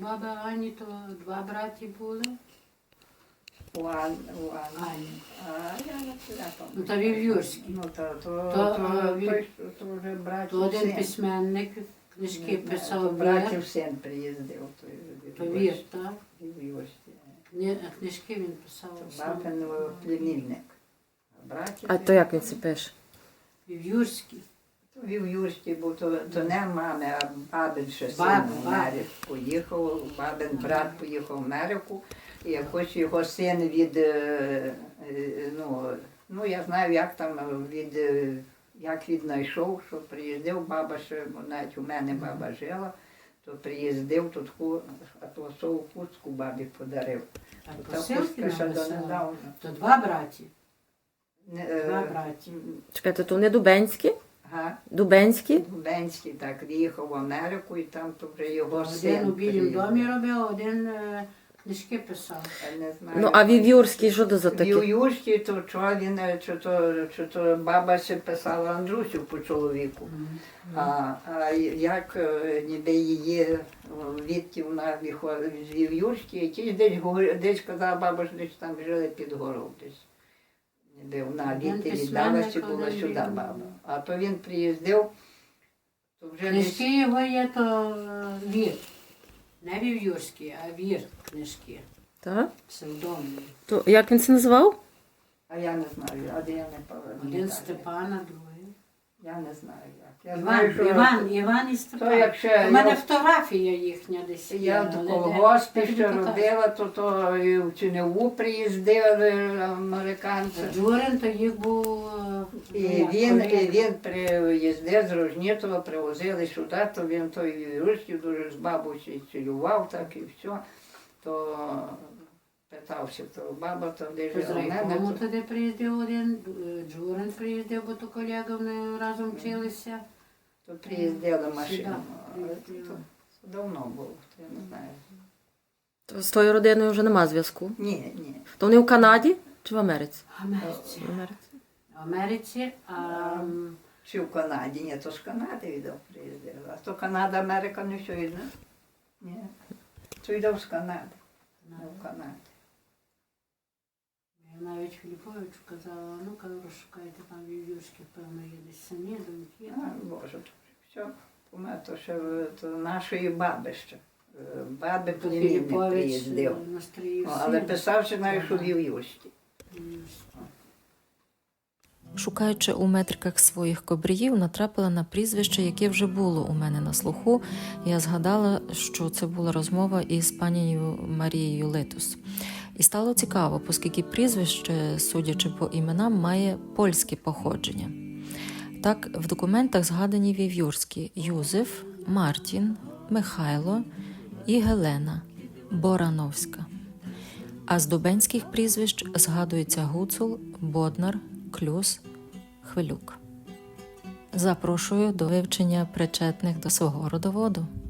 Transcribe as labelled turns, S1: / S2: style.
S1: баби Ані, то два браті були.
S2: У Ані.
S1: Ані.
S2: А я не пам'ятаю.
S1: Ну, то Вів'юрський.
S2: Ну, то вже братів
S1: То один
S2: син.
S1: письменник, книжки
S2: То
S1: писав Вір.
S2: братів син приїздив.
S1: То Вір, так?
S2: Вів'юрський.
S1: Книжки він писав.
S2: То бабин племінник.
S3: А то як він це пише?
S1: Вів'юрський.
S2: Вів'юрський був, то не мами, а бабин ще син
S1: Бабин,
S2: в Америку поїхав, бабин брат поїхав в Америку, і якось його син від, ну я знаю, як там, як віднайшов, що приїздив, баба ще, навіть у мене баба жила, то приїздив, то таку атласову хустку бабі подарив.
S1: Так,
S2: Та
S1: посилки
S2: хустка ще
S1: написав.
S2: донедавна.
S1: То два браті.
S2: Не,
S1: Два браті.
S3: Чекайте, то не Дубенські?
S2: Ага.
S3: Дубенські?
S2: Губенський так виїхав в Америку, і там то вже його син
S1: Один у Білім
S2: приїздив.
S1: домі робив, один книжки писав.
S2: Я не знаю.
S3: Ну, а Вів'юрський, що то за таке?
S2: Вів'юрський, то чого він, чи то баба ще писала Андрусю по чоловіку. А як ніби її відки вона виходить з Вів'юрський, якийсь десь казала, баба, що десь там жили під горою десь. Ніби вона
S1: Один
S2: відти
S1: письменник,
S2: віддалася, була
S1: один
S2: сюди
S1: він.
S2: баба. А то він приїздив, то вже десь...
S1: Книжки його є, то Вір. Не Вів'юрський, а Вір книжки.
S3: Так?
S1: Псевдонім.
S3: То як він це називав?
S2: А я не знаю, а де я не пам'ятаю.
S1: Один Степана, другий.
S2: Я не знаю як. Я знаю,
S1: Іван і Степан.
S2: То як ще
S1: У мене
S2: я-
S1: фотографія їхня десь є.
S2: Я
S1: але
S2: в
S1: де-
S2: колгоспі
S1: де
S2: ще
S1: він показує.
S2: робила, то і в Чиневу приїздили американці.
S1: Джурин, то їх був...
S2: І він приїздив з Рожнітова, привозили сюди, то він той русський дуже з бабусею цілював, так і все. То питався, то баба то де
S1: З
S2: жила.
S1: райкому туди приїздив один, Джурин приїздив, бо то колега вони разом вчилися.
S2: То приїздила машина.
S1: Сюди
S2: Але
S1: приїздила.
S2: то давно було, то я не знаю.
S3: То з тою родиною вже нема зв'язку.
S2: Ні, ні.
S3: То вони в Канаді чи в Америці?
S1: В Америці.
S3: В Америці.
S1: В Америці,
S2: Чи в Канаді? Ні, то з Канади віддав приїздила. А то Канада, Америка не все йде. Ні. То йде з Канади. Не в Канаді.
S1: я навіть Філіповичу казала, ну, кажу, розшукайте там Вів'юрських, певно, є десь самі, доньки.
S2: А, Боже, то все. У мене то ще то нашої баби ще. Баби
S1: То
S2: племінник
S1: Філіпович
S2: приїздив.
S1: Настріїв
S2: Ну, але писав, що навіть у Вів'юрській.
S4: Шукаючи у метриках своїх кобріїв, натрапила на прізвище, яке вже було у мене на слуху. Я згадала, що це була розмова із панією Марією Литус. І стало цікаво, оскільки прізвище, судячи по іменам, має польське походження. Так, в документах згадані вів'юрські Юзеф, Мартін, Михайло і Гелена Борановська. А з дубенських прізвищ згадуються Гуцул, Боднар, Клюс, Хвилюк. Запрошую до вивчення причетних до свого родоводу.